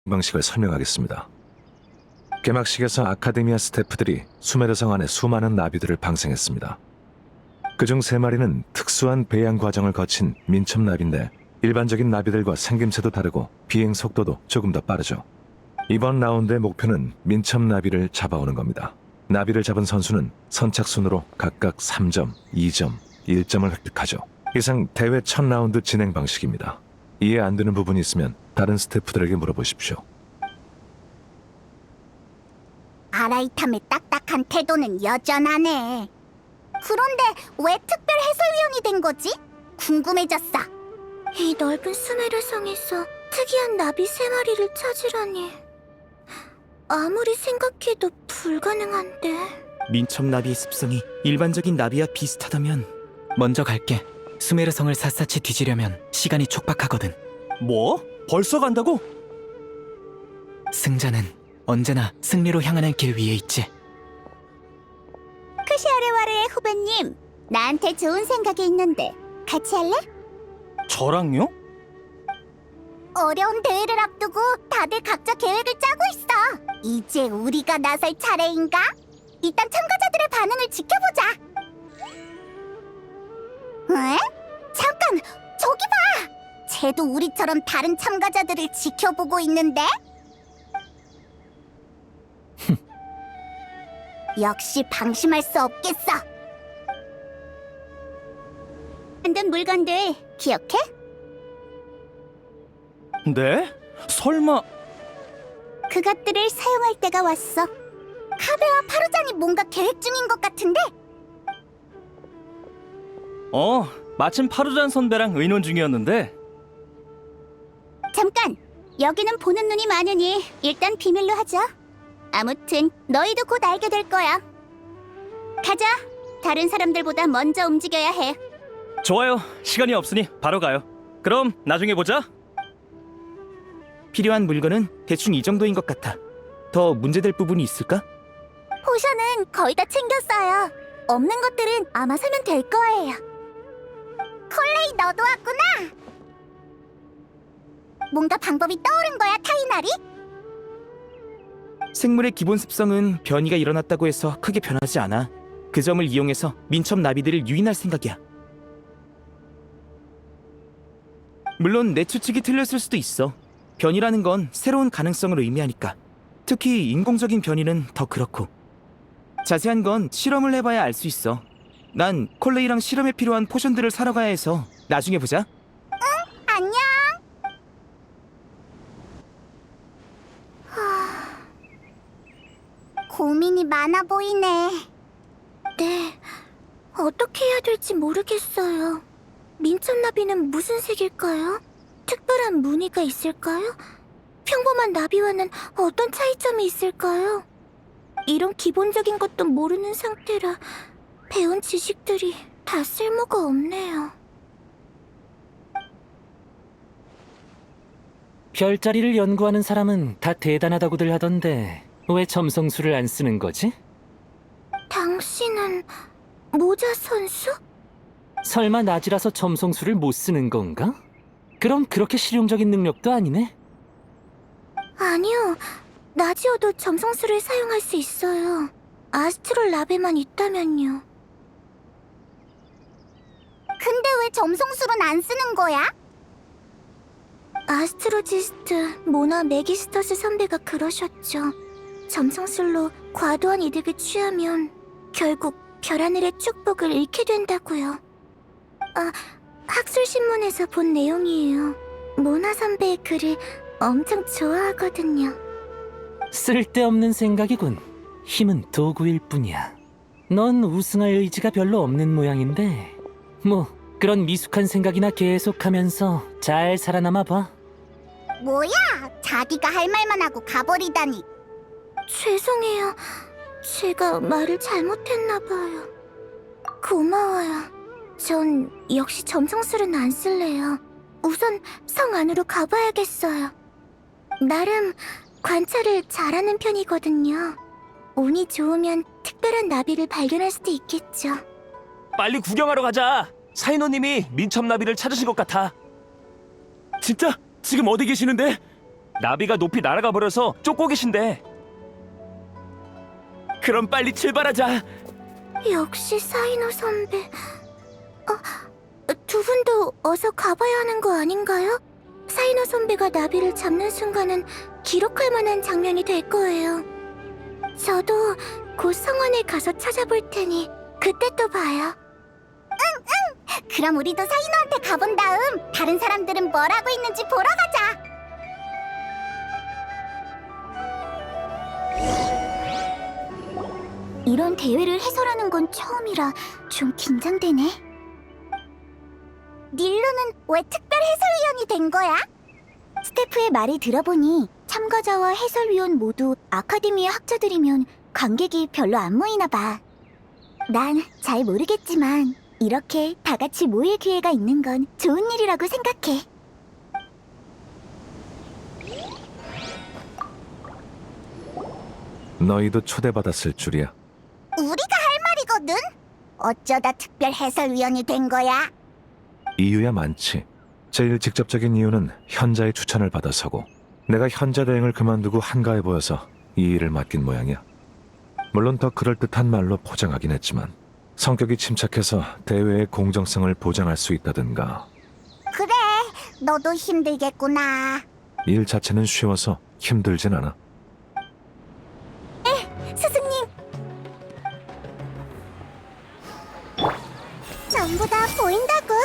방식을 설명하겠습니다. 개막식에서 아카데미아 스태프들이 수메르성 안에 수많은 나비들을 방생했습니다. 그중 3마리는 특수한 배양 과정을 거친 민첩나비인데 일반적인 나비들과 생김새도 다르고 비행 속도도 조금 더 빠르죠. 이번 라운드의 목표는 민첩나비를 잡아오는 겁니다. 나비를 잡은 선수는 선착순으로 각각 3점, 2점, 1점을 획득하죠. 이상 대회 첫 라운드 진행 방식입니다. 이해 안 되는 부분이 있으면 다른 스태프들에게 물어보십시오. 아라이탐의 딱딱한 태도는 여전하네. 그런데 왜 특별 해설위원이 된 거지? 궁금해졌어. 이 넓은 수메르성에서 특이한 나비 3마리를 찾으라니. 아무리 생각해도 불가능한데. 민첩나비의 습성이 일반적인 나비와 비슷하다면 먼저 갈게. 수메르성을 샅샅이 뒤지려면 시간이 촉박하거든. 뭐? 벌써 간다고? 승자는 언제나 승리로 향하는 길 위에 있지. 크시아레와르의 후배님, 나한테 좋은 생각이 있는데 같이 할래? 저랑요? 어려운 대회를 앞두고 다들 각자 계획을 짜고 있어. 이제 우리가 나설 차례인가? 일단 참가자들의 반응을 지켜보자. 에? 잠깐! 저기 봐! 쟤도 우리처럼 다른 참가자들을 지켜보고 있는데? 역시 방심할 수 없겠어. 만든 물건들 기억해? 네? 설마... 그것들을 사용할 때가 왔어. 카베와 파루잔이 뭔가 계획 중인 것 같은데? 마침 파루잔 선배랑 의논 중이었는데. 잠깐! 여기는 보는 눈이 많으니 일단 비밀로 하자. 아무튼 너희도 곧 알게 될 거야. 가자. 다른 사람들보다 먼저 움직여야 해. 좋아요. 시간이 없으니 바로 가요. 그럼 나중에 보자. 필요한 물건은 대충 이 정도인 것 같아. 더 문제될 부분이 있을까? 포션은 거의 다 챙겼어요. 없는 것들은 아마 사면 될 거예요. 콜레이, 너도 왔구나. 뭔가 방법이 떠오른 거야, 타이나리? 생물의 기본 습성은 변이가 일어났다고 해서 크게 변하지 않아. 그 점을 이용해서 민첩 나비들을 유인할 생각이야. 물론 내 추측이 틀렸을 수도 있어. 변이라는 건 새로운 가능성을 의미하니까. 특히 인공적인 변이는 더 그렇고. 자세한 건 실험을 해봐야 알 수 있어. 난 콜레이랑 실험에 필요한 포션들을 사러 가야 해서 나중에 보자. 안녕. 고민이 많아 보이네. 네, 어떻게 해야 될지 모르겠어요. 민첩나비는 무슨 색일까요? 특별한 무늬가 있을까요? 평범한 나비와는 어떤 차이점이 있을까요? 이런 기본적인 것도 모르는 상태라 배운 지식들이 다 쓸모가 없네요. 별자리를 연구하는 사람은 다 대단하다고들 하던데 왜 점성술을 안 쓰는 거지? 당신은 모자 선수? 설마 낮이라서 점성술을 못 쓰는 건가? 그럼 그렇게 실용적인 능력도 아니네? 아니요. 낮이어도 점성술을 사용할 수 있어요. 아스트롤 랍에만 있다면요. 근데 왜 점성술은 안 쓰는 거야? 아스트로지스트 모나 메기스터스 선배가 그러셨죠. 점성술로 과도한 이득을 취하면 결국 별하늘의 축복을 잃게 된다고요. 학술신문에서 본 내용이에요. 모나 선배의 글을 엄청 좋아하거든요. 쓸데없는 생각이군. 힘은 도구일 뿐이야. 넌 우승할 의지가 별로 없는 모양인데 뭐 그런 미숙한 생각이나 계속하면서 잘 살아남아 봐. 뭐야? 자기가 할 말만 하고 가버리다니. 죄송해요. 제가 말을 잘못했나 봐요. 고마워요. 전 역시 점성술은 안 쓸래요. 우선 성 안으로 가봐야겠어요. 나름 관찰을 잘하는 편이거든요. 운이 좋으면 특별한 나비를 발견할 수도 있겠죠. 빨리 구경하러 가자. 사인호님이 민첩나비를 찾으신 것 같아. 진짜? 지금 어디 계시는데? 나비가 높이 날아가 버려서 쫓고 계신데. 그럼 빨리 출발하자. 역시 사이노 선배. 두 분도 어서 가봐야 하는 거 아닌가요? 사이노 선배가 나비를 잡는 순간은 기록할 만한 장면이 될 거예요. 저도 곧 성원에 가서 찾아볼 테니 그때 또 봐요. 응. 그럼 우리도 사이노한테 가본 다음 다른 사람들은 뭘 하고 있는지 보러 가자. 이런 대회를 해설하는 건 처음이라 좀 긴장되네. 닐루는 왜 특별 해설위원이 된 거야? 스태프의 말을 들어보니 참가자와 해설위원 모두 아카데미의 학자들이면 관객이 별로 안 모이나 봐. 난 잘 모르겠지만 이렇게 다 같이 모일 기회가 있는 건 좋은 일이라고 생각해. 너희도 초대받았을 줄이야. 우리가 할 말이거든? 어쩌다 특별 해설위원이 된 거야? 이유야 많지. 제일 직접적인 이유는 현자의 추천을 받아서고, 내가 현자 대행을 그만두고 한가해 보여서 이 일을 맡긴 모양이야. 물론 더 그럴듯한 말로 포장하긴 했지만 성격이 침착해서 대회의 공정성을 보장할 수 있다든가. 그래, 너도 힘들겠구나. 일 자체는 쉬워서 힘들진 않아. 스승님! 전부 다 보인다고?